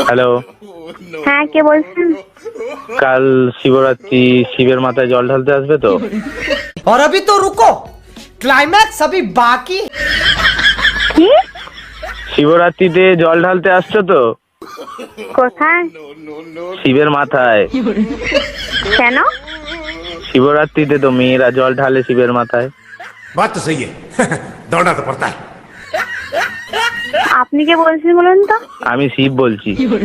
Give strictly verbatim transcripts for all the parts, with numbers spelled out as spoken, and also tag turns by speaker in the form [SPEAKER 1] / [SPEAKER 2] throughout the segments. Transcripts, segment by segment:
[SPEAKER 1] Hello,
[SPEAKER 2] হ্যাঁ কে বলছেন?
[SPEAKER 1] কাল শিবরাত্রি, শিবের মাথায় জল ঢালতে আসবে তো?
[SPEAKER 3] और अभी तो रुको, क्लाइमैक्स अभी बाकी।
[SPEAKER 2] কি?
[SPEAKER 1] শিবরাত্রিতে জল ঢালতে আসছো তো?
[SPEAKER 2] কোথায়?
[SPEAKER 1] শিবের মাথায়।
[SPEAKER 2] কেন?
[SPEAKER 1] শিবরাত্রিতে তো মেয়েরা জল ঢালে শিবের মাথায়।
[SPEAKER 4] बात तो सही है दौड़ना तो पड़ता है।
[SPEAKER 2] আপনি কে বলছেন বলুন তো?
[SPEAKER 1] আমি শিব বলছি।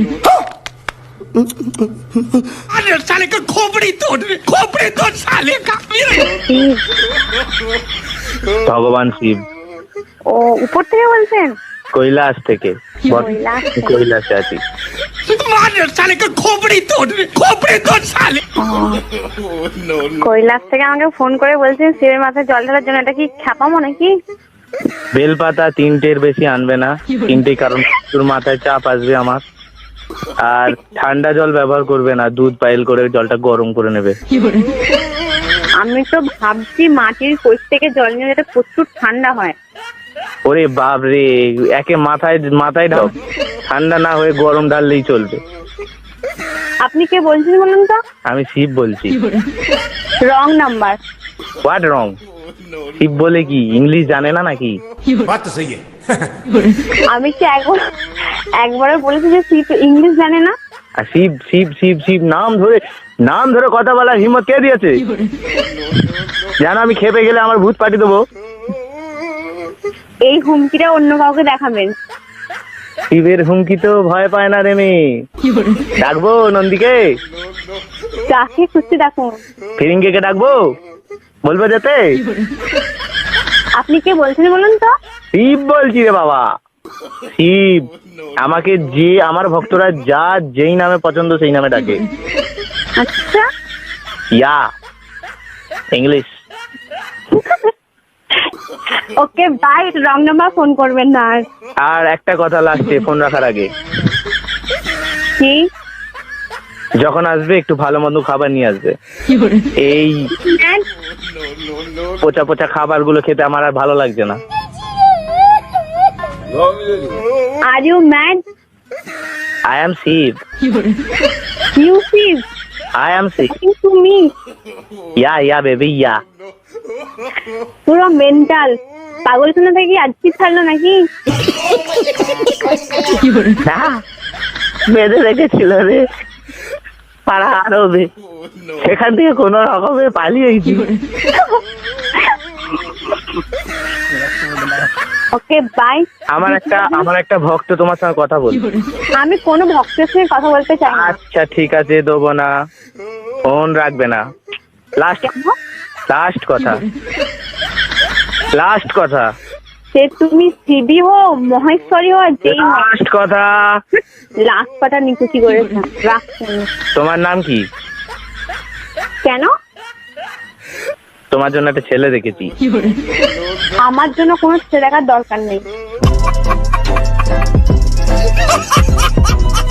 [SPEAKER 4] अरे साले का खोपड़ी तोड़ खोपड़ी तोड़ साले का।
[SPEAKER 2] শিব।
[SPEAKER 1] ভগবান শিব।
[SPEAKER 2] ও উপর থেকে বলছেন?
[SPEAKER 1] কৈলাস থেকে।
[SPEAKER 2] কৈলাস থেকে।
[SPEAKER 1] কৈলাসে আছি।
[SPEAKER 4] मार साले का खोपड़ी तोड़ खोपड़ी तोड़ साले।
[SPEAKER 2] কৈলাস থেকে আমাকে ফোন করে বলছেন শিবের মাথায় জল ঢালার জন্য। এটা কি খ্যাপামো নাকি?
[SPEAKER 1] বেলপাতা তিনটের বেশি আনবে না, তিনটে, কারণ তোর মাথায় চাপ আসবে আমার। আর ঠান্ডা জল ব্যবহার করবে না, দুধ পাইল করে জলটা গরম করে নেবে।
[SPEAKER 2] আমি তো ভাবছি মাটির কোষ থেকে জল নিয়ে যেটা প্রচুর ঠান্ডা হয়।
[SPEAKER 1] ওরে বাপ রে, একে মাথায় মাথায় ঢাল, ঠান্ডা না হয়ে গরম ঢাললেই চলবে।
[SPEAKER 2] আপনি কে বলছেন বলুন তো?
[SPEAKER 1] আমি শিব বলছি।
[SPEAKER 2] Wrong number.
[SPEAKER 1] What wrong? Shiv বলে কি ইংলিশ জানে না নাকি?
[SPEAKER 4] बात तो सही है
[SPEAKER 2] আমি কি একবার একবারে বলেছি যে শিব ইংলিশ জানে না?
[SPEAKER 1] আর শিব শিব শিব শিব নাম ধরে নাম ধরে কথা বলার হিম্মত কে দিয়েছে? জানো আমি খেপে গেলে আমার ভূত পাঠিয়ে দেবো।
[SPEAKER 2] এই হুমকিটা অন্য কাউকে দেখাবেন।
[SPEAKER 1] শিবের হুমকি তো ভয় পায় না রে মেয়ে। ডাকবো নন্দীকে?
[SPEAKER 2] যাকে খুশি দেখুন।
[SPEAKER 1] ফিরিঙ্গে কে ডাকবো? বলবো যেতে?
[SPEAKER 2] আপনি কে বলছেন বলুন তো?
[SPEAKER 1] শিব বলছি রে বাবা, শিব। আমাকে যে আমার ভক্তরা যা যেই নামে পছন্দ সেই নামে ডাকে।
[SPEAKER 2] আচ্ছা,
[SPEAKER 1] yeah English.
[SPEAKER 2] Okay bye. Wrong number phone করবেন না আর।
[SPEAKER 1] আর একটা কথা লাস্টে ফোন রাখার আগে,
[SPEAKER 2] কি?
[SPEAKER 1] যখন আসবে একটু ভালো মন্দ খাবার নিয়ে আসবে। এই পচা পচা খাবার গুলো খেতে আমার আর ভালো লাগছে না।
[SPEAKER 2] Are you mad?
[SPEAKER 1] I am Shiv.
[SPEAKER 2] You Shiv?
[SPEAKER 1] I am Shiv.
[SPEAKER 2] To me?
[SPEAKER 1] Yeah yeah baby yeah.
[SPEAKER 2] পুরো মেন্টাল পাগলখানা থেকে আজকে ছাড়লো নাকি?
[SPEAKER 1] না, বেঁধে রেখেছিল রে পাড়া আরবে, সেখান থেকে কোন রকমে পালিয়েছি।
[SPEAKER 2] Okay bye.
[SPEAKER 1] আমার একটা আমার একটা ভক্ত তোমার সঙ্গে কথা বল।
[SPEAKER 2] আমি কোনো ভক্তের সঙ্গে কথা বলতে চাই না।
[SPEAKER 1] আচ্ছা ঠিক আছে, দেবো না, ফোন রাখবে না। লাস্ট লাস্ট কথা লাস্ট কথা
[SPEAKER 2] সে তুমি শিবী হো, মহেশ্বরী হো, আর যেই হো,
[SPEAKER 1] লাস্ট কথা।
[SPEAKER 2] লাস্ট পাটা নিকুচি করেছে। রাখছেন?
[SPEAKER 1] তোমার নাম কি?
[SPEAKER 2] কেন?
[SPEAKER 1] তোমার জন্য একটা ছেলে দেখেছি।
[SPEAKER 2] আমার জন্য কোনো ছেলে দেখার দরকার নেই।